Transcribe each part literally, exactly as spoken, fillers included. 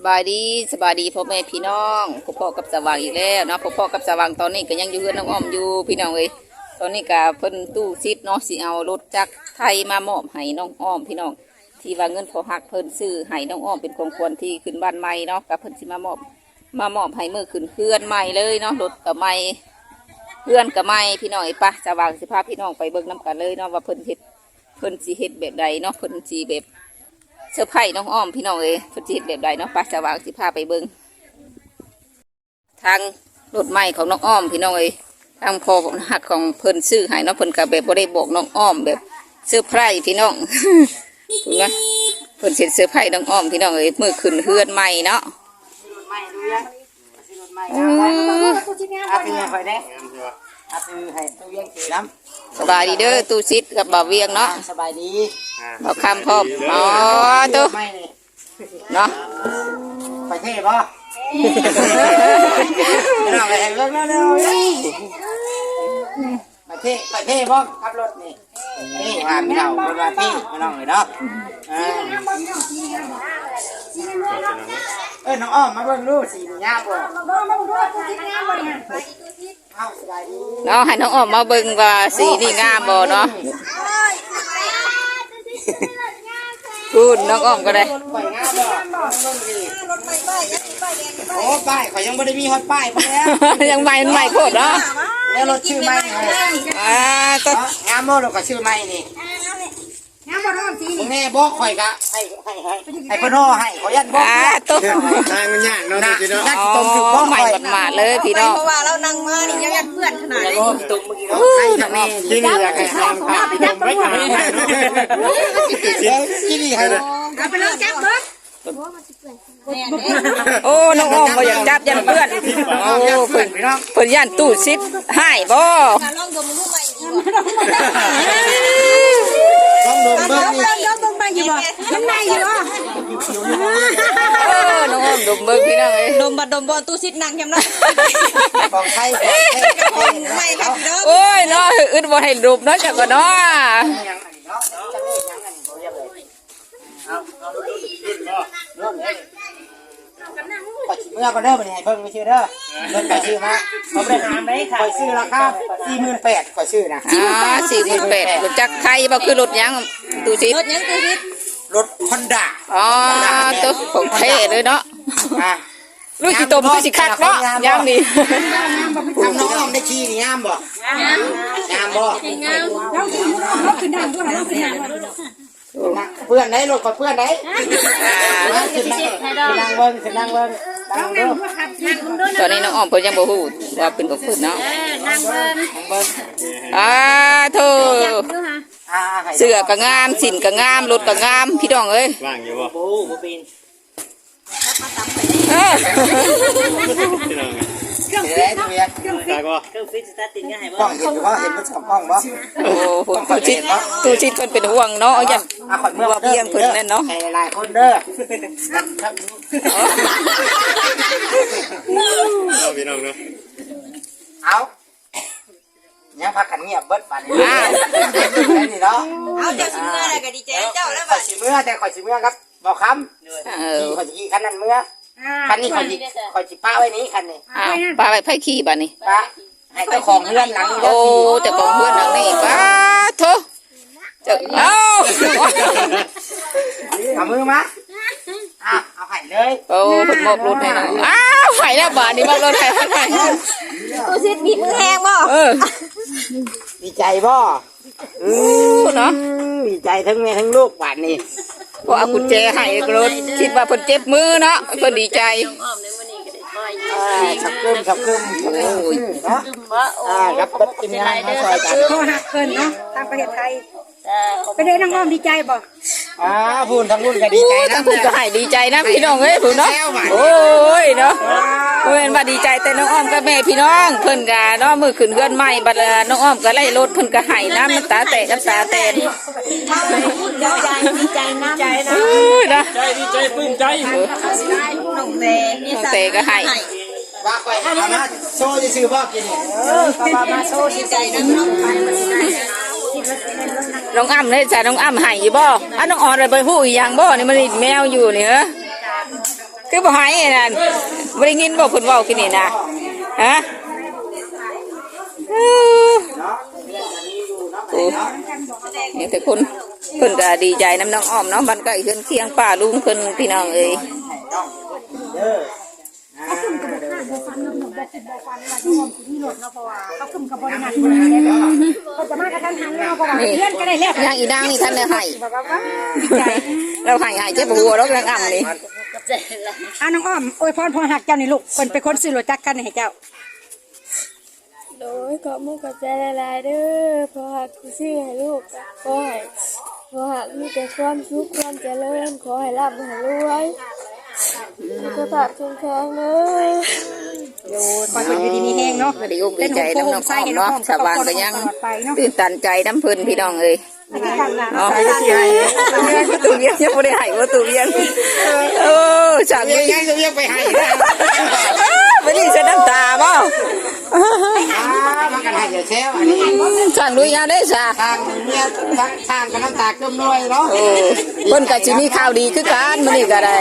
บายดีสบายดีพ่อแม่พี่น้องพ่อพ่อกับสว่างอีกแล้วเนาะพ่อพ่อกับสว่างตอนนี้ก็ยังอยู่กับน้องอ้อมอยู่พี่น้องเอ้ยตอนนี้ก็เพิ่นตู้ซิดเนาะสิเอารถจักรไทยมามอบให้น้องอ้อมพี่น้องที่ว่าเงินพอหักเพิ่นซื้อให้น้องอ้อมเป็นของควรที่ขึ้นบ้านใหม่เนาะกับเพิ่นสิมามอบมามอบให้เมื่อขึ้นเพื่อนใหม่เลยเนาะรถกับใหม่เพื่อนกับใหม่พี่น้องไอ้ปะสว่างสิพาพี่น้องไปเบิ่งน้ำกันเลยเนาะว่าเพิ่นเฮ็ดเพิ่นสิเฮ็ดแบบใดเนาะเพิ่นสิแบบเสื้อผ้าน้องอ้อมพี่น้องเอ้ยเพิ่นสิเฮ็ดแบบใดเนาะปะสว่างสิพาไปเบิ่งทางรถใหม่ของน้องอ้อมพี่น้องเอ้ยทางพอหักของเพิ่นซื้อให้เนาะเพิ่นก็แบบบ่ได้บอกน้องอ้อมแบบเสื้อผ้าพี่น้องถูกไหมเพิ่นเสร็จเสื้อผ้าน้องอ้อมพี่น้องเอ้ยมื้อขึ้นเฮือนใหม่เนาะอาเป็นยังไงได้อาเป็นให้ตู้เลี้ยงสีน้ำสบายดีเด้อตู้ซิดกับบ่าวเวียงเนาะสบายดีบ่าวคำพร้อมอ๋อตู้เนาะไปเท่ป่ะเราไปเร็วเร็วเร็วไปเท่ไปเท่ป่ะขับรถนี่นี่ว่าไม่เราเป็นว่าพี่ไม่น้องเลยเนาะเออน้องอ้อมมาเบิ่งดูสีงามบ่เนาะให้น้องอ้อมมาเบิ่งว่าสีนี่งามบ่เนาะพูดน้องอ้อมก็ได้โอ้ป้ายเขายังไม่ได้มีฮอตป้ายมาแล้วยังใหม่ใหม่โคตรเนาะแล้วรถชื่อใหม่อ่าก็งามโม่เราก็ชื่อใหม่นี่งามบ่ร้อนสีนี่แม่บอกข่อยกะให้ให้ให้ให้เพิ่นห่อให้ขอยันบอกอ่าตุ๊กทางมันยากเนาะพี่เนาะต้มถึงบ่ใหม่หมาดเลยพี่น้องเพราะว่าเรานั่งมานี่ยังยันเพื่อนขนาดนี้ตุ่มเมื่อกี้เนาะให้ทำแม่ที่นี่อยากให้ทางพาพี่ดมไว้กันที่นี่ให้เอาไปเลยจับเบิดโอ้น้องอ้อมบ่อยากจับยันเพื่อนโอ้เพิ่นเพิ่นย่านตู้ซิดให้บ่ลองดมมือใหม่ดีกว่าลองดมเบิ่งนี่ลองดมใหม่อยู่บ่น้ำในอยู่บ่เออน้องอ้อมดมเบิ่งพี่น้องเอ้ยดมบัดดมบ่ตู้ซิดนั่งยำเนาะของไทยของไทยใหม่ครับพี่น้องโอ้ยเนาะอึดบ่ให้ดมเนาะจักก็เนาะเมื่อก็เด้อไปให้เพิ่งไปชื่อเด้อเพิ่งไปชื่อมาเขาไปหาไหมค่ะคอยชื่อราคาสี่หมื่นแปดคอยชื่อนะอ่าสี่หมื่นแปดรถจักรไทยบ่คือรถยังตู้ซิดรถยังตู้ซิดรถฮอนด้าอ๋อตัวของเท่เลยเนาะลูกสิตมคือสิคักเนาะยามนี่ทำน้องอ้อมได้ขี่นี่งามบ่งามบ่งามเราเราขึ้นดังด้วยเราขึ้นดังเพื่อนไหนรถกับเพื่อนไหนขึ้นนั่งขึ้นนั่งเบิ้งขึ้นนั่งเบิ้งนั่งเบิ้งตอนนี้น้องอ้อมเพิ่นยังบ่ฮู้ว่าเป็นของเพิ่นเนาะนั่งเบิ้งเบิ้งอ่าโธ่เสื้อก็งามสินก็งามรถก็งามพี่น้องเอ้ยว่างอยู่บ่ปูปูปีนเออเครื่องฟิตเนาะเครื่องฟิตเครื่องฟิตสตาร์ทติดง่ายบ่กล้องเห็นอยู่บ่เห็นมันสองกล้องบ่โอ้โหตู้ชิดตู้ชิดเพิ่นเป็นห่วงเนาะยันเมื่อว่าเพียงเพิ่นนั่นเนาะหลายคนเด้อเอาพี่น้องเนาะเอายังพักกันเงียบเบิดป่านนี้นี่เนาะเอาเจ้าสิเมื่ออะไรก็ดีใจเจ้าแล้วบัดสิเมื่อแต่ข่อยสิเมื่อครับบอกคำเออข่อยสิขี่คันนั้นเมื่อคันนี้ข่อยสิข่อยสิป้าไว้นี้คันนี้อ้าวป้าไว้ไผขี่บัดนี้ป้าให้เจ้าของเรือนหลังโอ้เจ้าของเรือนหลังนี่ป้าโธ่เจ้าเอ้าเอามือมาอ้าวเอาไข่เลยโอ้เพิ่นมอบรถให้น้องอ้าวไข่แล้วบาดนี้มอบรถให้ให้ตู้ซิดมีมือแห้งบ่เออดีใจบ่อือเนาะดีใจทั้งแม่ทั้งลูกบาดนี้พอเอากุญแจให้รถคิดว่าเพิ่นเจ็บมือเนาะเพิ่นดีใจสับกึมสับกึมโอ้ยเนาะอ่ารับบัตรกินงานมาซอยกันโทรหักเพิ่นเนาะทางประเทศไทยไปเด้อน้องอ้อมดีใจบ่อ่าพูนทั้งพูนก็ดีใจนะทั้งพูนก็ให้ดีใจนะพี่น้องเอ้ยพูนเนาะโอ้ยเนาะเพิ่นว่าดีใจแต่น้องอ้อมกับแม่พี่น้องเพิ่นก็เนาะมื้อขึ้นเฮือนใหม่บัดน้องอ้อมก็ไล่รถเพิ่นก็ให้น้ำน้ำตาแตกน้ำตาแตนดีใจดีใจน้ำใจนะนะใจดีใจปลื้มใจน้องเตน้องเตก็ให้ว่าไปเอามาโซ่จะซื้อบ่กินเออก็มาโซ่ดีใจน้ำน้องน้องอ้ำเลยจ้ะน้องอ้ำให้อยู่บ่อ่ะน้องอ่อนเลยไปหู้อีหยังบ่นี่มันแมวอยู่นี่เหรอคือบ่หายนั่นบ่ได้ยินบ่เพิ่นเว้ากินนี่นะฮะโอ้นี่แต่คนเพิ่นก็ดีใจน้ำน้องอ้อมเนาะบ้านใกล้เฮือนเคียงป้าลุงเพิ่นพี่น้องเอ้ยเด้อเขาขึ้นกับบทบาทบทฟันบทบทบทฟันว่าที่ผมที่หลดเนาะเพราะว่าเขาขึ้นกับบทหนักคนนี้เขาจะมากระทันหันเนาะเพราะว่าเพื่อนก็ได้แล้วยังอีนางนี่ท่านได้ให้บอกว่าดีใจเราให้ให้เจ็บหัวเรากำลังอ่ำนี่อ่ะน้องอ้อมอวยพรพรหักเจ้านี่ลูกคนเป็นคนซื้อรถจักรกันให้เจ้าโดยขอมุกกับใจละลายเด้อเพราะหากกูชื่อให้ลูกขอให้ขอหากมีแต่ความสุขความเจริญขอให้ร่ำให้รวยสุขภาพแข็งแรงเลยโยนปล่อยคนอยู่ดีมีแห้งเนาะก็ดีอกดีใจน้ำน้องอ้อมเนาะชาวบ้านก็ยังตื่นตันใจน้ำเพิ่นพี่น้องเอ้ยเนาะประตูเวียงยังไม่ได้ให้ประตูเวียงเออจากเรียนี้กยังจะเรียกไปให้นะไม่ได้เสียน้ำตาบ่อ่ามันกันให้เดี๋ยวแช่อันนี้สั่งลุยยาได้ซะทางเมียทางทางกันน้ำตาเกิมน้อยเนาะโอ้เพิ่นก็สิมีข่าวดีคือกันมื้อนี้ก็ได้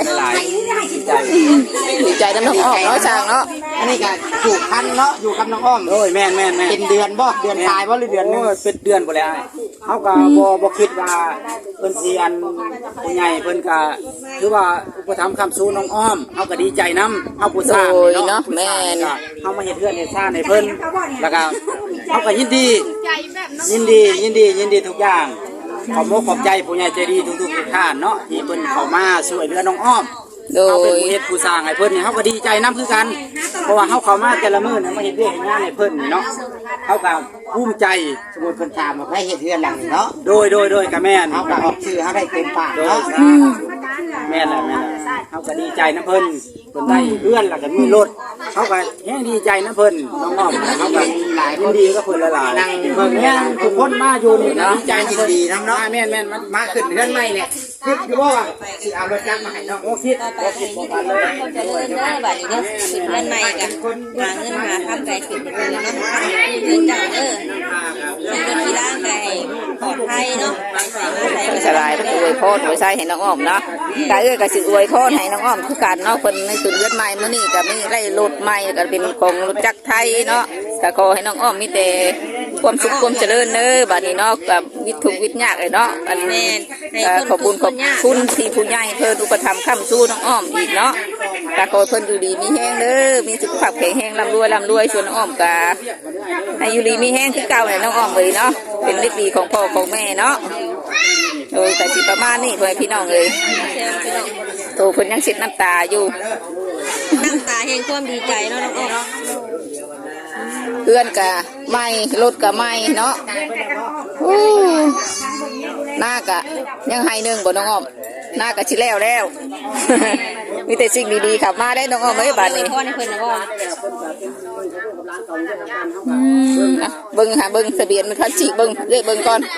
ดีใจน้ำน้องอ้อมเนาะสั่งเนาะอันนี้ก็อยู่คันเนาะอยู่กับน้องอ้อมโอ้ยแม่นแม่นแม่นเป็นเดือนบ่เดือนตายบ่หรือเดือนหนึงโอ้ยเป็นเดือนบ่แล้วเฮาก็บ่บ่คิดว่าเพิ่นสิอันผู้ใหญ่เพิ่นก็คือว่าอุปถัมภ์คำสู้น้องอ้อมเฮาก็ดีใจนํเฮาผู้สร้างโอ้ยเนาะเนาะผู้สแม่ร้างนก็เฮามาเฮ็ดเรือนเฮ็ดซ่านให้เพิ่นแล้วก็เฮาก็ยินดียินดียินดียินดีทุกอย่างขอบคุณขอบใจผู้ใหญ่ใจดีทุกๆทุกท่านเนาะที่เพิ่นเข้ามาช่วยเหลือน้องอ้อมโดเฮาเป็นยผู้เฮ็ดผู้สร้างให้เพิ่นนี่เฮาก็ดีใจนํคือกันเพราะว่าเฮาเข้ามาแต่ละมื้อนี่มาเฮ็ดเวียกเฮ็ดงานให้เพิ่นนี่เนาะเฮาก็ภูมิใจสมมุติเพิ่นถามว่าใครเฮ็ดเรือนหลังนี่เนาะโดยโดยโดยกับแม่นเฮาก็ออกชื่อเฮาได้เต็มปากโดยเนาะแม่นแหละแม่นแหละเขาก็ดีใจนะเพิ่นเพิ่นได้เพื่อนแล้วก็มีรถเขาก็แห้งดีใจนะเพิ่นน้องอ้อมเขาก็หลายคนดีก็เพิ่นละหลายเพิ่นแห้งทุกคนมาอยู่นี่นะดีใจยินดีนํเนาะแม่นแม่นมันมาขึ้นเรือนใหม่เนี่ยคิดอยู่บ่ว่าสิเอารถจักรมาให้น้องโอ้คิดโอ้คิดบ่ทันเลยเจริญเด้อบัดนี้เด้อขึ้นเงินใหม่กันหาเงินหาทำไก่ขึ้นเป็นเงินเนาะเงินเจ้าเด้อเป็นคนที่ร่างกายปลอดภัยเนาะสลายก็อวยพรอวยใส่ให้น้องอ้อมเนาะกะเอ้ยก็สิอวยพรให้น้องอ้อมคือกันเนาะเพิ่นในตุนเลือดใหม่มื้อนี้ก็มีไล่รถใหม่ก็เป็นของรถจักรไทยเนาะก็ขอให้น้องอ้อมมีแต่ความสุขความเจริญเด้อบัดนี้เนาะกับวิทุกข์วิทยากเลยเนาะอันนี้ขอบคุณขอบคุณที่ผู้ใหญ่เพิ่นอุปถัมภ์ค้ำสู้น้องอ้อมอีกเนาะก็ขอเพิ่นอยู่ดีมีแห้งเด้อมีสุขภาพแข็งแรงร่ำรวยร่ำรวยส่วนน้องอ้อมก็ให้อยู่ดีมีแห้งคือเก่าเนี่ยน้องอ้อมเลยเนาะเป็นเล็กดีของพ่อของแม่เนาะโดยแต่สิประมาณนี้เพื่อนพี่น้องเลยโตเพิ่นยังเช็ดน้ำตาอยู่น้ำตาแห่งความดีใจเนาะน้องอ้อมเพื่อนกะไม่รถกะไม่เนาะอู้หน้ากะยังให้หนึ่งบ่น้องอ้อมหน้ากะชิแล้วแล้ว มีแต่สิ่งดีๆขับมาได้น้องอ้อมไม่บาดนี้พ่อในเพิ่นนะพ่ออืมอ่ะเบิ้งหาเบิ้งทะเบียนมันคันฉีกเบิ้งเรียกเบิ้งก่อน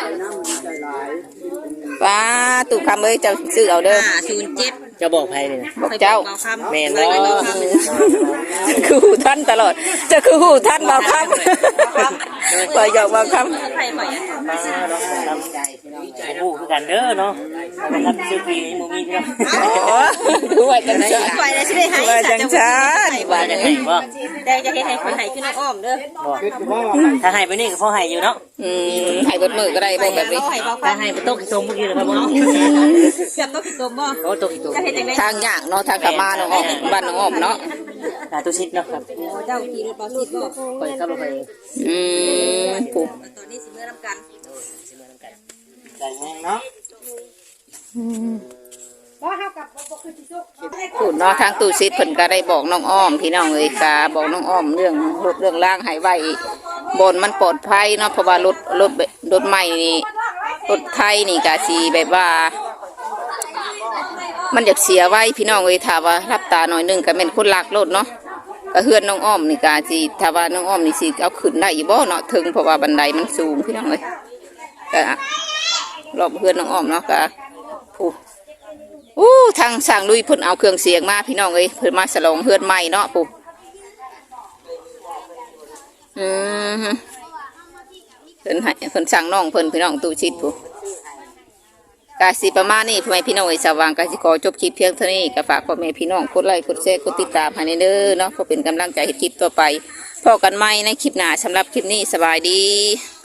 ว้าตุกคำเอ้ยเจ้าซื้อเอาเด้อห้าศูนย์เจ็ดจะบอกใครนี่บอกเจ้าแม่นจะคือหูท่านตลอด จะคือหูท่านบอกคำปล่อยหยอกบอกคำใครปล่อยผู้คือกันเด้อเนาะนะครับซื้อปีนี้บ่มีเด้อโอ้คือว่าจังชันปล่อยแล้วสิได้ให้ว่าจังชันว่าจังนี้บ่แต่จะเฮ็ดให้คนให้ขึ้นน้องอ้อมเด้อถ้าให้ไปนี่ก็พอให้อยู่เนาะอืมให้เบิดมือก็ได้บ่แบบนี้ให้บ่ถ้าให้ไปตกอีกตรงเมื่อกี้นะครับบ่เกือบต้องผิดตัวบ่โอ้ตกอีกตรงจะเฮ็ดจังได๋ทางยากเนาะทางกลับมาน้องอ้อมบ้านน้องอ้อมเนาะอ่าตุชิดเนาะครับเจ้าขี่รถบ่สิบ่ไปขับรถไปอืมปุ๊ตอนนี้สิมื้อนำกันใจแห้งเนาะพูดเนาะทางตู้ซิดเพิ่นก็ได้บอกน้องอ้อมพี่น้องเอ้ยกาบอกน้องอ้อมเรื่องรถเรื่องล่างให้ไว้บนมันปลอดภัยเนาะเพราะว่ารถรถรถใหม่นี่รถไทยนี่กะสิแบบว่า มันอยากเสียไว้พี่น้องเอ้ยถ้าว่ารับตาหน่อยหนึงก็เป็นคนลักรถเนาะก็เฮือนน้องอ้อมนี่กะสิถ้าว่าน้องอ้อมนี่สิเอาขึ้นได้อยู่บ่เนาะถึงเพราะว่าบันไดมันสูงพี่น้องเอ้ยก็รอบเฮือนน้องอ้อมเนาะก็ผู้อู้ทางสร้างลุยเพิ่นเอาเครื่องเสียงมาพี่น้องเอ้ยเพิ่นมาฉลองเฮือนใหม่เนาะผู้อืมเพิ่นให้เพิ่นสั่งน้องเพิ่นพี่น้องตู้ชิดผู้กาสิประมาณนี้พ่อแม่พี่น้องไอ้สว่างกาสิขอจบคลิปเพียงเท่านี้ก็ฝากพ่อแม่พี่น้องกดไลค์กดแชร์กดติดตามให้เด้อเนาะเพื่อเป็นกำลังใจให้คลิปต่อไปพบกันใหม่ในคลิปหน้าสำหรับคลิปนี้สบายดี